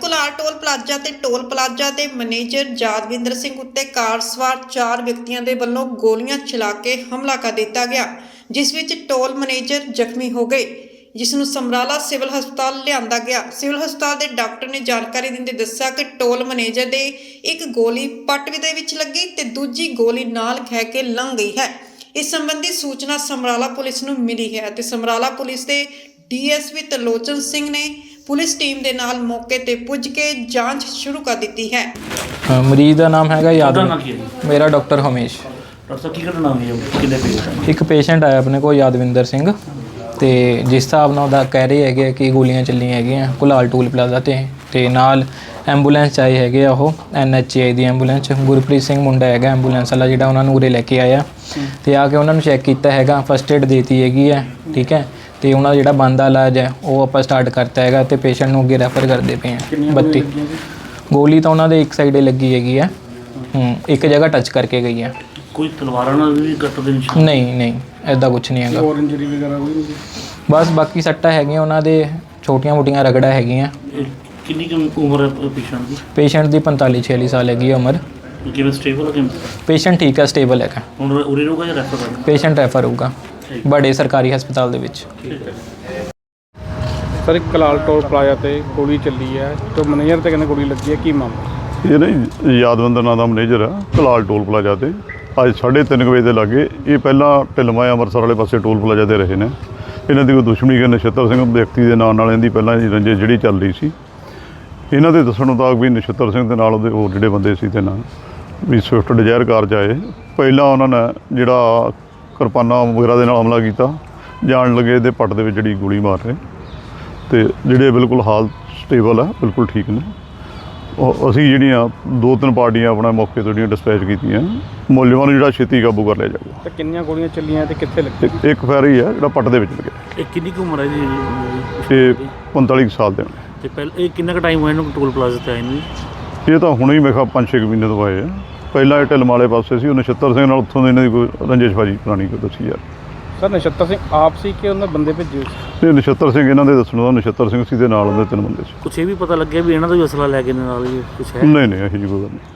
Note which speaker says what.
Speaker 1: Kular toll plaza ਤੇ toll plaza ਦੇ manager Yadwinder Singh ਉੱਤੇ ਕਾਰ ਸਵਾਰ 4 ਵਿਅਕਤੀਆਂ ਦੇ ਵੱਲੋਂ ਗੋਲੀਆਂ ਚਲਾ ਕੇ ਹਮਲਾ ਕਰ ਦਿੱਤਾ ਗਿਆ, ਜਿਸ ਵਿੱਚ ਟੋਲ ਮੈਨੇਜਰ ਜ਼ਖਮੀ ਹੋ ਗਏ, ਜਿਸ ਨੂੰ ਸਮਰਾਲਾ ਸਿਵਲ ਹਸਪਤਾਲ ਲਿਆਂਦਾ ਗਿਆ। ਸਿਵਲ ਹਸਪਤਾਲ ਦੇ ਡਾਕਟਰ ਨੇ ਜਾਣਕਾਰੀ ਦਿੰਦੇ ਦੱਸਿਆ ਕਿ ਟੋਲ ਮੈਨੇਜਰ ਦੇ ਇੱਕ ਗੋਲੀ ਪੱਟ ਦੇ ਵਿੱਚ ਲੱਗੀ ਤੇ ਦੂਜੀ ਗੋਲੀ ਨਾਲ ਖਹਿ ਕੇ ਲੰਘ ਗਈ ਹੈ। ਇਸ ਸੰਬੰਧੀ ਸੂਚਨਾ ਸਮਰਾਲਾ ਪੁਲਿਸ ਨੂੰ ਮਿਲੀ ਹੈ ਤੇ ਸਮਰਾਲਾ ਪੁਲਿਸ ਦੇ ਡੀਐਸਪੀ ਤਰਲੋਚਨ ਸਿੰਘ ਨੇ ਪੁਲਿਸ ਟੀਮ ਦੇ ਨਾਲ ਮੌਕੇ ਤੇ ਪੁੱਜ ਕੇ ਜਾਂਚ ਸ਼ੁਰੂ ਕਰ ਦਿੱਤੀ ਹੈ।
Speaker 2: ਮਰੀਜ਼ ਦਾ ਨਾਮ ਹੈਗਾ ਯਾਦਵਿੰਦਰ। ਮੇਰਾ ਡਾਕਟਰ ਹਮੇਸ਼।
Speaker 3: ਡਾਕਟਰ ਸਾਹਿਬ ਕੀ ਘਟਨਾ ਹੋਈ ਹੈ? ਕਿੰਨੇ ਪੇਸ਼ੈਂਟ?
Speaker 2: ਇੱਕ ਪੇਸ਼ੈਂਟ ਆਇਆ ਆਪਣੇ ਕੋਲ ਯਾਦਵਿੰਦਰ ਸਿੰਘ, ਤੇ ਜਿਸ ਹਿਸਾਬ ਨਾਲ ਉਹਦਾ ਕਹਿ ਰਹੇ ਹੈਗੇ ਕਿ ਗੋਲੀਆਂ ਚੱਲੀਆਂ ਹੈਗੀਆਂ ਕੁਲਾਲ ਟੋਲ ਪਲਾਜ਼ਾ ਤੇ ਨਾਲ ਐਂਬੂਲੈਂਸ 'ਚ ਆਏ ਹੈਗੇ ਆ। ਉਹ NHI ਦੀ ਐਂਬੂਲੈਂਸ, ਗੁਰਪ੍ਰੀਤ ਸਿੰਘ ਮੁੰਡਾ ਹੈਗਾ ਐਂਬੂਲੈਂਸ ਵਾਲਾ ਜਿਹੜਾ ਉਹਨਾਂ ਨੂੰ ਉਰੇ ਲੈ ਕੇ ਆਇਆ, ਤੇ ਆ ਕੇ ਉਹਨਾਂ ਨੂੰ ਚੈੱਕ ਕੀਤਾ ਹੈਗਾ, ਫਸਟ ਏਡ ਦੇਤੀ ਹੈਗੀ ਹੈ, ਠੀਕ ਹੈ। ਤੇ ਉਹਨਾਂ ਦਾ ਜਿਹੜਾ ਬਣਦਾ ਇਲਾਜ ਹੈ ਉਹ ਆਪਾਂ ਸਟਾਰਟ ਕਰਤਾ ਹੈਗਾ ਤੇ ਪੇਸ਼ੈਂਟ ਨੂੰ ਅੱਗੇ ਰੈਫਰ ਕਰਦੇ ਪਏ ਹਾਂ। 32 ਗੋਲੀ ਤਾਂ ਉਹਨਾਂ ਦੇ ਇੱਕ ਸਾਈਡੇ ਲੱਗੀ ਹੈਗੀ ਹੈ, ਇੱਕ ਜਗ੍ਹਾ ਟੱਚ ਕਰਕੇ ਗਈ ਹੈ।
Speaker 3: ਕੋਈ ਤਲਵਾਰਾਂ ਨਾਲ ਵੀ ਕੱਟ ਦੇ ਨਿਸ਼ਾਨ?
Speaker 2: ਨਹੀਂ ਐਦਾਂ ਕੁਝ ਨਹੀਂ ਹੈਗਾ।
Speaker 3: ਹੋਰ ਇੰਜਰੀ ਵਗੈਰਾ ਕੋਈ ਨਹੀਂ?
Speaker 2: ਬਸ ਬਾਕੀ ਸੱਟਾਂ ਹੈਗੀਆਂ ਉਹਨਾਂ ਦੇ, ਛੋਟੀਆਂ-ਮੋਟੀਆਂ ਰਗੜਾ ਹੈਗੀਆਂ।
Speaker 3: ਕਿੰਨੀ ਕੁ ਉਮਰ ਹੈ ਪੇਸ਼ੈਂਟ ਦੀ?
Speaker 2: ਪੇਸ਼ੈਂਟ ਦੀ 45-46 ਸਾਲ ਹੈਗੀ ਹੈ ਉਮਰ।
Speaker 3: ਕਿਵੇਂ ਸਟੇਬਲ ਹੈ ਕਿਵੇਂ?
Speaker 2: ਪੇਸ਼ੈਂਟ ਠੀਕ ਹੈ, ਸਟੇਬਲ ਹੈਗਾ।
Speaker 3: ਹੁਣ ਉਰੇ ਰਹੂਗਾ ਜਾਂ ਰੈਫਰ ਕਰਨਾ?
Speaker 2: ਪੇਸ਼ੈਂਟ ਰੈਫਰ ਹੋਊਗਾ ਬੜੇ ਸਰਕਾਰੀ ਹਸਪਤਾਲ ਦੇ ਵਿੱਚ।
Speaker 4: ਸਰ ਇੱਕ ਕਲਾਲ ਟੋਲ ਪਲਾਜ਼ਾ ਤੇ ਗੋਲੀ ਚੱਲੀ ਹੈ ਤੇ ਮੈਨੇਜਰ ਤੇ ਕਹਿੰਦੇ ਗੋਲੀ ਲੱਗੀ ਹੈ, ਕੀ ਮਾਮਲਾ?
Speaker 5: ਇਹ ਨਹੀਂ ਯਾਦਵਿੰਦਰ ਨਾਂ ਦਾ ਮੈਨੇਜਰ ਆ ਕਲਾਲ ਟੋਲ ਪਲਾਜ਼ਾ ਤੇ ਅੱਜ 3:30 ਵਜੇ ਦੇ ਲਾਗੇ। ਇਹ ਪਹਿਲਾਂ ਢਿਲਮਾ ਅੰਮ੍ਰਿਤਸਰ ਵਾਲੇ ਪਾਸੇ ਟੋਲ ਪਲਾਜ਼ਾ ਤੇ ਰਹੇ ਨੇ। ਇਹਨਾਂ ਦੀ ਕੋਈ ਦੁਸ਼ਮਣੀ ਕਿ ਨਛੱਤਰ ਸਿੰਘ ਵਿਅਕਤੀ ਦੇ ਨਾਂ ਨਾਲ ਇਹਦੀ ਪਹਿਲਾਂ ਰੰਜਿਸ਼ ਜਿਹੜੀ ਚੱਲ ਰਹੀ ਸੀ। ਇਹਨਾਂ ਦੇ ਦੱਸਣ ਮੁਤਾਬਕ ਵੀ ਨਛੱਤਰ ਸਿੰਘ ਦੇ ਨਾਲ ਉਹਦੇ ਹੋਰ ਜਿਹੜੇ ਬੰਦੇ ਸੀ ਤੇ ਨਾਲ ਵੀ ਸਵਿਫਟ ਡਿਜ਼ਾਇਰ ਕਾਰ 'ਚ ਆਏ। ਪਹਿਲਾਂ ਉਹਨਾਂ ਨੇ ਜਿਹੜਾ ਕਿਰਪਾਨਾਂ ਵਗੈਰਾ ਦੇ ਨਾਲ ਹਮਲਾ ਕੀਤਾ, ਜਾਣ ਲੱਗੇ ਇਹਦੇ ਪੱਟ ਦੇ ਵਿੱਚ ਜਿਹੜੀ ਗੋਲੀ ਮਾਰ ਰਹੇ, ਤੇ ਜਿਹੜੇ ਬਿਲਕੁਲ ਹਾਲ ਸਟੇਬਲ ਆ, ਬਿਲਕੁਲ ਠੀਕ ਨੇ। ਅਸੀਂ ਜਿਹੜੀਆਂ 2-3 ਪਾਰਟੀਆਂ ਆਪਣਾ ਮੌਕੇ ਤੋਂ ਜਿਹੜੀਆਂ ਡਿਸਪੈਚ ਕੀਤੀਆਂ, ਮੁਲਜ਼ਮਾਂ ਨੂੰ ਜਿਹੜਾ ਛੇਤੀ ਕਾਬੂ ਕਰ ਲਿਆ ਜਾਊਗਾ।
Speaker 4: ਤੇ ਕਿੰਨੀਆਂ ਗੋਲੀਆਂ ਚੱਲੀਆਂ ਤੇ ਕਿੱਥੇ ਲੱਗੀ?
Speaker 5: ਇੱਕ ਫੈਰ ਹੀ ਹੈ ਜਿਹੜਾ ਪੱਟ ਦੇ ਵਿੱਚ ਲੱਗਿਆ।
Speaker 3: ਇਹ ਕਿੰਨੀ ਕੁ ਉਮਰ ਹੈ ਜੀ?
Speaker 5: ਇਹ 45 ਸਾਲ ਦੇ ਨੇ।
Speaker 3: ਤੇ ਪਹਿਲਾਂ ਇਹ ਕਿੰਨਾ ਕੁ ਟਾਈਮ ਹੋਇਆ ਇਹਨੂੰ ਟੋਲ ਪਲਾਜ਼ਾ ਤੇ ਆਏ ਨੂੰ?
Speaker 5: ਇਹ ਤਾਂ ਹੁਣੇ ਹੀ ਮੇਰੇ ਖਿਆਲ 5-6 ਮਹੀਨੇ ਤੋਂ ਆਏ ਆ। ਪਹਿਲਾਂ ਇਹ ਢਿਲਮ ਵਾਲੇ ਪਾਸੇ ਸੀ, ਉਹ ਨਛੱਤਰ ਸਿੰਘ ਨਾਲ ਉੱਥੋਂ ਦੇ ਇਹਨਾਂ ਦੀ ਕੋਈ ਰੰਜਿਸ਼ਬਾਜੀ ਪੁਰਾਣੀ ਕੋਈ ਦੱਸੀ ਯਾਰ।
Speaker 4: ਸਰ ਨਛੱਤਰ ਸਿੰਘ ਆਪ ਸੀ ਕਿ ਉਹਨਾਂ ਬੰਦੇ ਭੇਜੇ ਸੀ?
Speaker 5: ਤੇ ਨਛੱਤਰ ਸਿੰਘ ਇਹਨਾਂ ਦੇ ਦੱਸਣ ਦਾ ਨਛੱਤਰ ਸਿੰਘ ਸੀ ਦੇ ਨਾਲ ਉਹਦੇ 3 ਬੰਦੇ ਸੀ।
Speaker 3: ਕੁਛ ਇਹ ਵੀ ਪਤਾ ਲੱਗਿਆ ਵੀ ਇਹਨਾਂ ਦਾ ਵੀ ਅਸਲਾ ਲੈ ਕੇ ਨਾਲ ਹੀ ਕੁਛ ਹੈ?
Speaker 5: ਨਹੀਂ ਇਹੋ ਜਿਹੀ ਕੋਈ ਗੱਲ ਨਹੀਂ।